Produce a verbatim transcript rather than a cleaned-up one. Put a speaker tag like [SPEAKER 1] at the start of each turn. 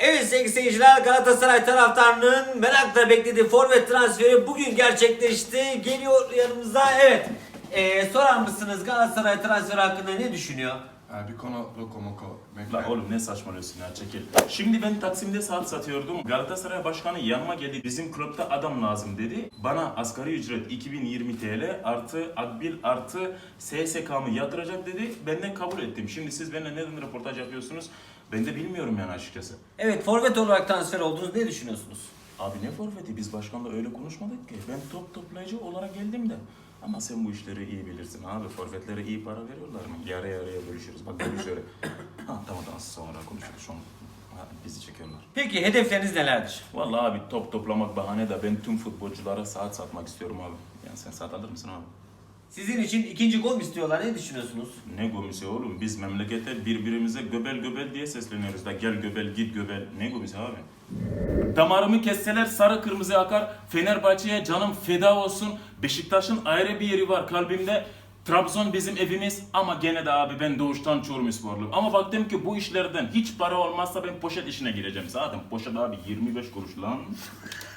[SPEAKER 1] Evet sevgili seyirciler, Galatasaray taraftarının merakla beklediği forvet transferi bugün gerçekleşti. Geliyor yanımıza. Evet. Ee, sorar mısınız Galatasaray transferi hakkında ne düşünüyor?
[SPEAKER 2] Bir konu lokomoko.
[SPEAKER 3] La oğlum ne saçmalıyorsun ya, çekil. Şimdi ben Taksim'de saat satıyordum. Galatasaray Başkanı yanıma geldi. Bizim kulüpte adam lazım dedi. Bana asgari ücret iki bin yirmi TL artı akbil artı S S K'mı yatıracak dedi. Ben de kabul ettim. Şimdi siz benimle neden röportaj yapıyorsunuz? Ben de bilmiyorum yani açıkçası.
[SPEAKER 1] Evet, forvet olarak transfer oldunuz. Ne düşünüyorsunuz?
[SPEAKER 3] Abi ne forveti? Biz başkanla öyle konuşmadık ki. Ben top toplayıcı olarak geldim de. Ama sen bu işleri iyi bilirsin abi. Forvetlere iyi para veriyorlar mı? Yarı yarıya bölüşürüz. Bak böyle şöyle. Ha tamam tamam, sonra konuşuruz. Şu an ha, bizi çekiyorlar.
[SPEAKER 1] Peki hedefleriniz nelerdir?
[SPEAKER 3] Vallahi abi top toplamak bahane de ben tüm futbolculara saat satmak istiyorum abi. Yani sen saat alır mısın abi?
[SPEAKER 1] Sizin için ikinci gol istiyorlar. Ne düşünüyorsunuz?
[SPEAKER 3] Ne gomisi oğlum? Biz memlekete birbirimize göbel göbel diye sesleniyoruz da gel göbel git göbel. Ne gomisi abi? Damarımı kesseler sarı kırmızı akar. Fenerbahçe'ye canım feda olsun. Beşiktaş'ın ayrı bir yeri var kalbimde. Trabzon bizim evimiz ama gene de abi ben doğuştan Çorumsporluyum. Ama baktım ki bu işlerden hiç para olmazsa ben poşet işine gireceğim. Zaten poşet abi yirmi beş kuruş lan.